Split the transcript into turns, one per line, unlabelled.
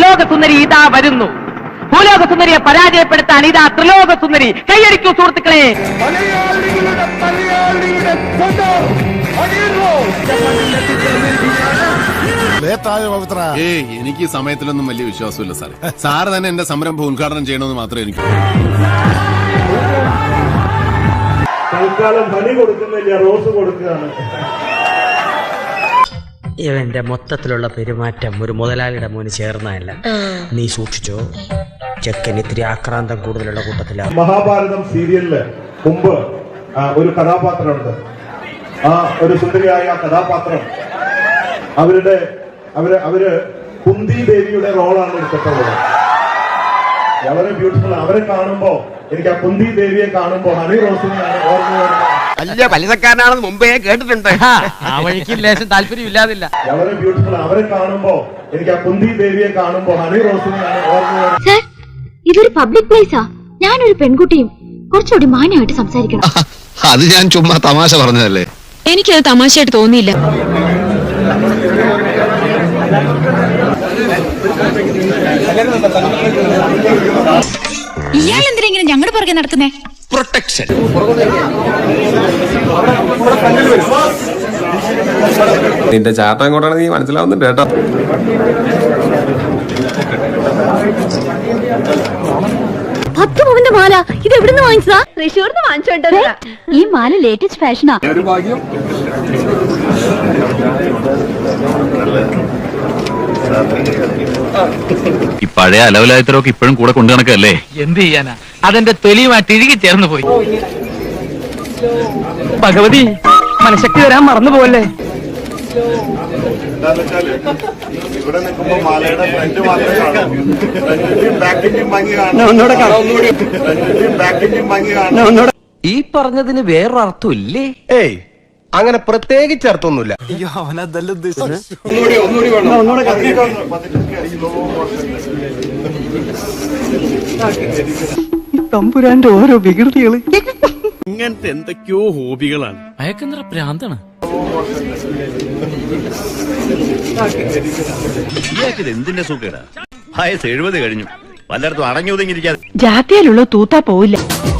ഭൂലോക സുന്ദരി ഇതാ വരുന്നു. ഭൂലോക സുന്ദരിയെ പരാജയപ്പെടുത്താൻ ഇതാ ത്രിലോക സുന്ദരി. കൈയടിക്കൂ സുഹൃത്തുക്കളെ.
എനിക്ക് സമയത്തിലൊന്നും വലിയ വിശ്വാസമില്ല സാറേ. സാറ് തന്നെ എന്റെ സംരംഭം ഉദ്ഘാടനം ചെയ്യണമെന്ന് മാത്രമേ എനിക്ക്.
തൽക്കാലം പണി കൊടുക്കുന്നില്ല, റോസ് കൊടുക്കുകയാണ്.
ഇവന്റെ മൊത്തത്തിലുള്ള പെരുമാറ്റം ഒരു മുതലാളിയുടെ മോന് ചേർന്നതല്ല. നീ സൂക്ഷിച്ചോ, ചെക്കൻ ഇത്തിരി ആക്രാന്തം കൂടുതലുള്ള കൂട്ടത്തിലാണ്.
മഹാഭാരതം സീരിയലില് മുമ്പ് ഒരു കഥാപാത്രമുണ്ട്. ആ ഒരു സുന്ദരിയായ കഥാപാത്രം അവര് കുന്തി ദേവിയുടെ റോളാണ് എടുത്തിട്ടുള്ളത്. വളരെ ബ്യൂട്ടിഫുൾ. അവരെ കാണുമ്പോ എനിക്ക് ആ കുന്തി ദേവിയെ കാണുമ്പോ ഹണി റോസിനെയാണ് ഓർമ്മ വരുന്നത്.
വലിയ പലിശക്കാരനാണെന്ന് മുമ്പേ കേട്ടിട്ടുണ്ട്.
ആ വഴിക്ക് ലേശം താല്പര്യമില്ലാതില്ല.
വളരെ ബ്യൂട്ടിഫുൾ. അവരെ കാണുമ്പോ എനിക്ക് ആ കുന്തി ദേവിയെ കാണുമ്പോ ഹണി റോസിനെയാണ് ഓർമ്മ വരുന്നത്.
സർ, ഇതൊരു പബ്ലിക് പ്ലേസാ. ഞാനൊരു പെൺകുട്ടിയും കുറച്ചുകൂടി മാന്യമായിട്ട് സംസാരിക്കണം.
അത് ഞാൻ ചുമ്മാ തമാശ പറഞ്ഞതല്ലേ.
എനിക്കത് തമാശയായിട്ട് തോന്നിയില്ല. ഇയാൾ എന്തിനാ ഇങ്ങനെ ഞങ്ങളുടെ പുറകെ നടക്കുന്നേ?
പ്രൊട്ടക്ഷൻ.
നിന്റെ ചാട്ടം എങ്ങോട്ടാണ് നീ മനസ്സിലാവുന്നുണ്ട് കേട്ടോ.
പവന്റെ മാല ഇത് എവിടുന്ന് വാങ്ങിച്ചതാ? തൃശ്ശൂർന്ന് വാങ്ങിച്ചോണ്ടോ? ഈ മാല ലേറ്റസ്റ്റ് ഫാഷനാ.
ഈ പഴയ അലവലായത്തരൊക്കെ ഇപ്പോഴും കൂടെ കൊണ്ടു നടക്കല്ലേ.
എന്ത് ചെയ്യാനാ, അതെന്റെ തൊലിയുമായിട്ട് ഇഴുകി ചേർന്ന് പോയി. ഭഗവതി, മനഃശക്തി വരാൻ മറന്നു പോവല്ലേ.
ഇവിടെ നിൽക്കുമ്പോ മാലയുടെ ഫ്രണ്ട് മാത്രമേ കാണൂ. ബാക്കിന്റെയും ഭംഗി കാണും.
ഈ പറഞ്ഞതിന് വേറൊരു അർത്ഥം ഇല്ലേ?
ഏയ്, അങ്ങനെ പ്രത്യേകിച്ച് അർത്ഥമൊന്നുമില്ല.
തമ്പുരാന്റെ ഓരോ വികൃതികള്.
ഇങ്ങനത്തെ എന്തൊക്കെയോ ഹോബികളാണ്.
അയക്കെന്തറ പ്രാന്താണ്.
എന്തിന്റെ സുഖേടാ? വയസ്സ് 70 കഴിഞ്ഞു. പലയിടത്തും അടങ്ങി ഒതുങ്ങിയിരിക്കാതെ
ജാത്തിയിലുള്ള തൂത്താ പോവില്ല.